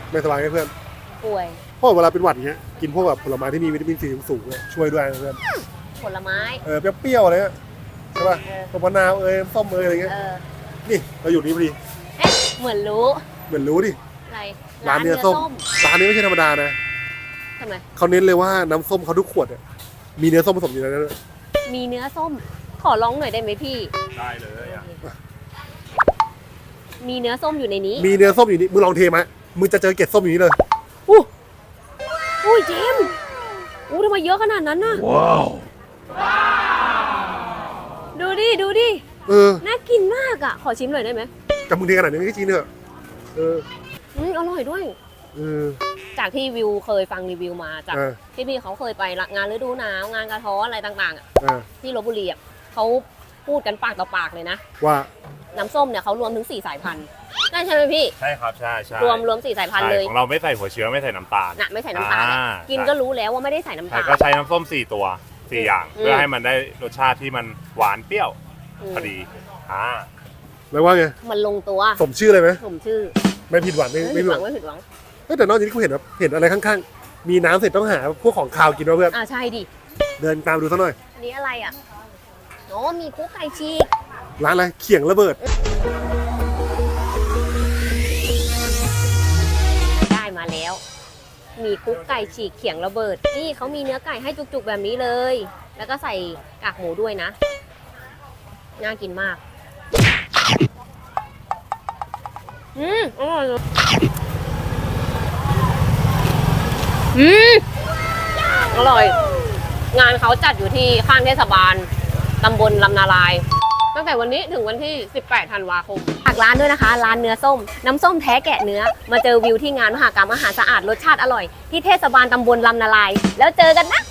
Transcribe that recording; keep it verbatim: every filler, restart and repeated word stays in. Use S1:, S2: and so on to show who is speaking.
S1: ไม่สบายไหมเพื่อน
S2: ป่วย
S1: เพราะเวลาเป็นหวัดอย่างเงี้ยกินพวกแบบผลไม้ที่มีวิตามินซีสูงๆเนี่ยช่วยด้วยนะเพื่อน
S2: ผลไม้
S1: เออเปรี้ยวๆอะไรเงี้ยใช่ป่ะ
S2: เออ
S1: ต้นมะนาวเอ้ยส้มเอ้ยอะไรเงี้ย
S2: เออ
S1: นี่เราอยู่นี่พอดี
S2: เอ๊ะเหมือนรู้
S1: เหมือนรู้ดิ
S2: อะไร
S1: ร้านเนื้อส้มร้านนี้ไม่ใช่ธรรมดานะ
S2: ทำไม
S1: เขาเน้นเลยว่าน้ำส้มเขาทุกขวดเนี่ยมีเนื้อส้มผสมอยู่ในนั้นด้วย
S2: มีเนื้อส้ม ขอลองหน่อยได้ไหมพี่
S3: ได้เลยอ่ะ
S2: มีเนื้อส้มอยู่ในนี้
S1: มีเนื้อส้มอยู่นี่มึงลองเทมามึงจะเจอเกล็ดส้มอยู่นี่เลย
S2: อู้อุ้ยเจมส์อู้ทำไมเยอะขนาดนั้นน่ะ
S3: ว้าว
S2: ดูดิ ดูดิ
S1: เออ
S2: น่ากินมากอ่ะ ขอชิมหน่อยได้ไหม
S1: แต่มึงเทขนาดนี้ไม่จริงเนอะเออ
S2: อืมอร่อยด้วย
S1: เออ
S2: จากที่วิวเคยฟังรีวิวมาจาก
S1: เออ
S2: ที่พี่เขาเคยไปงานฤดูหนาวงานกระท้อนอะไรต่างๆอ่ะ
S1: เออ
S2: ที่ลบบุรีอ่ะเขาพูดกันปากต่อปากเลยนะ
S1: ว่า
S2: น้ำส้มเนี่ยเขารวมถึงสี่สายพันธุ์ได้ใช่ไหมพี่
S3: ใช่ครับใช่ใช่
S2: รวมรวมสี่สายพันธุ์เลย
S3: ใช่ของเราไม่ใส่หัวเชื้อไม่ใส่น้ำตาล
S2: น่ะไม่ใส่น้ำตาลนะ
S3: อ่า
S2: กิน
S3: ใช่
S2: ก็รู้แล้วว่าไม่ได้ใส่น้ำ
S3: ใช่
S2: ตาล
S3: ก็ใช้น้ำส้มสี่ตัวสี่อย่าง
S2: อืม
S3: เพื่อให้มันได้รสชาติที่มันหวานเปรี้ยว
S2: ม
S3: พอดีอ่า
S1: แล้วว่าไง
S2: มันลงตัว
S1: สมชื่อเลยไหม
S2: ผมชื่อ
S1: ไม่ผิดหวังไม่
S2: ไม่
S1: ไม่
S2: ผิด
S1: ผิด
S2: ห
S1: ห
S2: วั
S1: วั
S2: ง
S1: ง
S2: ไม่ผิดหวัง
S1: เฮ้ยแต่นอกจากนี้กูเห็นแบบเห็นอะไรข้างๆมีน้ำเสร็จต้องหาพวกของคาวกินวะเพื่อน
S2: อ่าใช่ดิ
S1: เดินตามดูสักหน่อย
S2: อันนี้อะไรอ่ะโอ้มีคุกไก่ฉีก
S1: ร้านอะไรเขียงระเบิด
S2: ได้มาแล้ว มีคุกไก่ฉีกเขียงระเบิดนี่เขามีเนื้อไก่ให้จุกๆแบบนี้เลย แล้วก็ใส่กากหมูด้วยนะน่ากินมากอืมอร่อยเลยอืมอร่อย งานเขาจัดอยู่ที่ข้างเทศบาลตำบลลำนาลาย ตั้งแต่วันนี้ถึงวันที่ สิบแปด ธันวาคมฝากร้านด้วยนะคะ ร้านเนื้อส้ม น้ำส้มแท้แกะเนื้อ มาเจอวิวที่งานมหกรรมอาหารสะอาดรสชาติอร่อย ที่เทศบาลตำบลลำนาลาย แล้วเจอกันนะ